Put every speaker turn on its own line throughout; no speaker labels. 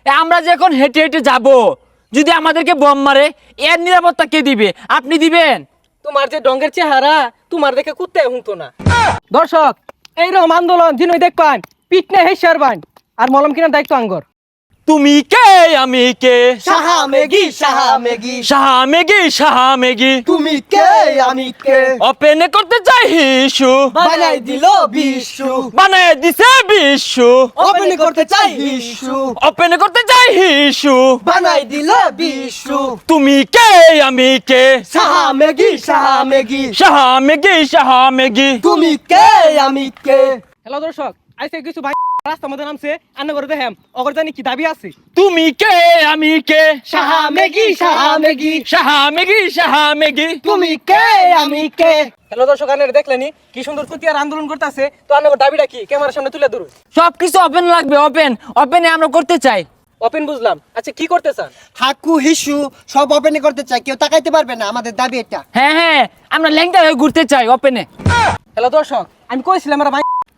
আমরা যে এখন হেঁটে হেঁটে যাব, যদি আমাদেরকে বম মারে এর নিরাপত্তা কে দিবে? আপনি দিবেন?
তোমার যে ডঙ্গের চেহারা তোমার দেখে কুত্তে হুঁতো না। দর্শক, এইরকম আন্দোলন যিনি দেখবেন পিটনে হেসারবান আর মলম কিনার দায়িত্ব আঙ্গর।
তুমি কে আমি কে?
সাহা মেগি সাহা মেগি
সাহা মেগি সাহা মেগি।
তুমি কে আমি কে
ওপেন করতে চাই হিসু,
বানাই দিল বিশ্ব
বানায় দিছে বিশ্ব।
ওপেন করতে চাই বিশ্ব
ওপেন করতে চাই হিসু।
বানাই দিল বিশ্ব
তুমি কে আমি কে?
সাহা মেগি সাহা মেগি
সাহা মেগি সাহা মেগি।
তুমি কে আমি কে
হ্যালো দর্শক, আজকে কিছু ভাই রাস্তার মধ্যে নামছে, আন্না করে দেখেন অগর জানি কি দাবি আছে।
তুমি কে আমি কে?
সাহা মেগি সাহা মেগি
সাহা মেগি সাহা মেগি।
তুমি কে আমি কে
হ্যালো দর্শক, আন্নারে দেখলেনি কি সুন্দর কুতিয়ার আন্দোলন করতেছে। তো আন্নার দাবিটা কি ক্যামেরার সামনে তুলে ধরুন।
সবকিছু ওপেন লাগবে, ওপেন ওপেনে আমরা করতে চাই।
ওপেন বুঝলাম, আচ্ছা কি করতে চান?
হাকু হিসু সব ওপেন করতে চাই, কেউ তাকাইতে পারবে না, আমাদের দাবি এটা।
হ্যাঁ হ্যাঁ, আমরা ল্যাংটা হয়ে ঘুরতে চাই ওপেনে।
হ্যালো দর্শক, আমি কইছিলাম আমরা ভাই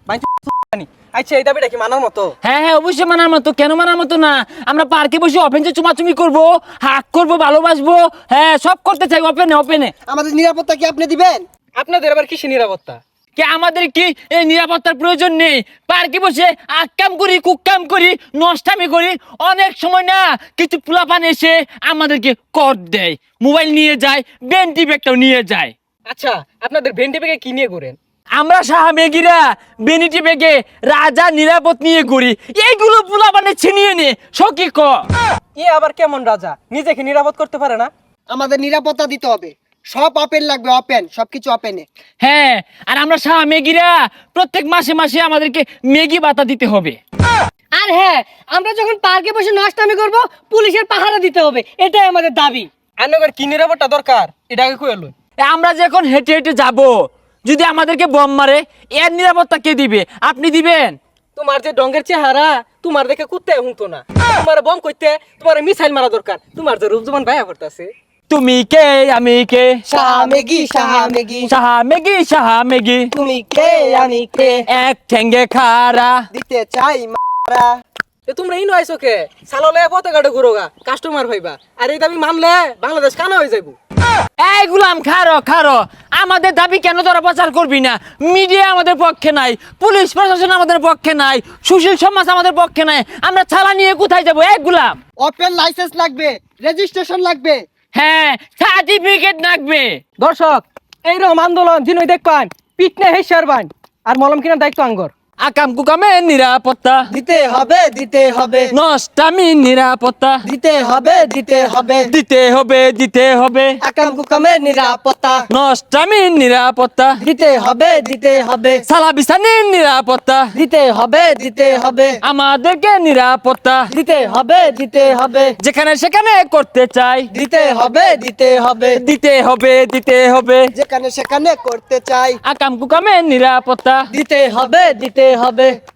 আচ্ছা এই দাবিটা কি মানার মতো?
হ্যাঁ হ্যাঁ, অবশ্যই মানার মতো। কেন মানার মতো না? আমরা পার্কে বসে ওপেনে চুমাচুমি করবো, হাক করবো, ভালোবাসবো। হ্যাঁ, সব করতে চাই ওপেনে ওপেনে।
আমাদের নিরাপত্তা কি আপনি দিবেন?
আপনাদের আবার কিসে নিরাপত্তা?
কে আমাদের কি এই নিরাপত্তার প্রয়োজন নেই? পার্কে বসে আকাম করি, কুকাম করি, নষ্টামি করি। অনেক সময় না কিছু পোলাপান এসে আমাদেরকে কর দেয়, মোবাইল নিয়ে যায়, বেন্টি ব্যাগটাও নিয়ে যায়।
আচ্ছা আপনাদের ভেন্টি ব্যাগে কি নিয়ে ঘুরেন?
আমরা সাহা মেগিরা বেনিটি বেগে রাজা নিরাপদ নিয়ে ঘুরি। এইগুলো পোলাপানে ছিনিয়ে নে সকি ক।
এ আবার কেমন রাজা, নিজেকে নিরাপদ করতে পারে না?
আমাদের নিরাপত্তা দিতে হবে, সব ওপেন লাগবে, ওপেন সবকিছু ওপেনে।
হ্যাঁ, আর আমরা সাহা মেগিরা প্রত্যেক মাসে মাসে আমাদেরকে মেগি ভাতা দিতে হবে।
আর হ্যাঁ, আমরা যখন পার্কে বসে নষ্টামি করব, পুলিশের পাহারা দিতে হবে, এটাই আমাদের দাবি।
আন্নার কি নিরাপত্তা দরকার এটা আগে কই এলো।
আমরা যে এখন হেঁটে হেঁটে যাব, যদি আমাদেরকে বম মারে এর নিরাপত্তা কে দিবে? আপনি দিবেন?
তোমার যে ডঙ্গের চেহারা তোমার দেখে কুত্তে হুঁতো না। তোমার বম কইতে তোমার মিসাইল মারা দরকার। তোমার যে রূপ জমান ভাইয়া করতেছে।
তুমি কে আমি কে?
সাহা মেগি সাহা মেগি
সাহা মেগি সাহা মেগি।
তুমি কে আমি কে
এক ঠেঙ্গে খারা।
দিতে চাই মারা।
এ তোমরা ইনো আইছো কে? সাললে পতাকাটা ঘুরোগা কাস্টমার হইবা। আর এই দাবি মানলে বাংলাদেশ কানা হয়ে যাইবো।
এই গুলাম খারো খারো, আমাদের দাবি কেন তোরা প্রচার করবি না? মিডিয়া আমাদের পক্ষে নাই, পুলিশ প্রশাসন আমাদের পক্ষে নাই, সুশীল সমাজ আমাদের পক্ষে নাই। আমরা ছালা নিয়ে কোথায় যাবো? এক গুলাম।
ওপেন লাইসেন্স লাগবে, রেজিস্ট্রেশন লাগবে।
হ্যাঁ, সার্টিফিকেট লাগবে।
দর্শক, এইরকম আন্দোলন যিনি দেখবেন পিটনে হেসারবান আর মলম কিনার দায়িত্ব আঙ্গর।
আকাম কুকামে নিরাপত্তা
দিতে হবে দিতে হবে
নষ্টামি নিরাপত্তা
দিতে হবে দিতে হবে
দিতে হবে দিতে হবে।
আকাম কুকামের নিরাপত্তা
নষ্টামি নিরাপত্তা
দিতে হবে দিতে হবে
সালা বিছানির নিরাপত্তা
দিতে হবে দিতে হবে
আমাদেরকে নিরাপত্তা
দিতে হবে দিতে হবে
যেখানে সেখানে করতে চাই।
দিতে হবে দিতে হবে
দিতে হবে দিতে হবে।
যেখানে সেখানে করতে চাই।
আকাম কুকামে নিরাপত্তা
দিতে হবে দিতে হবে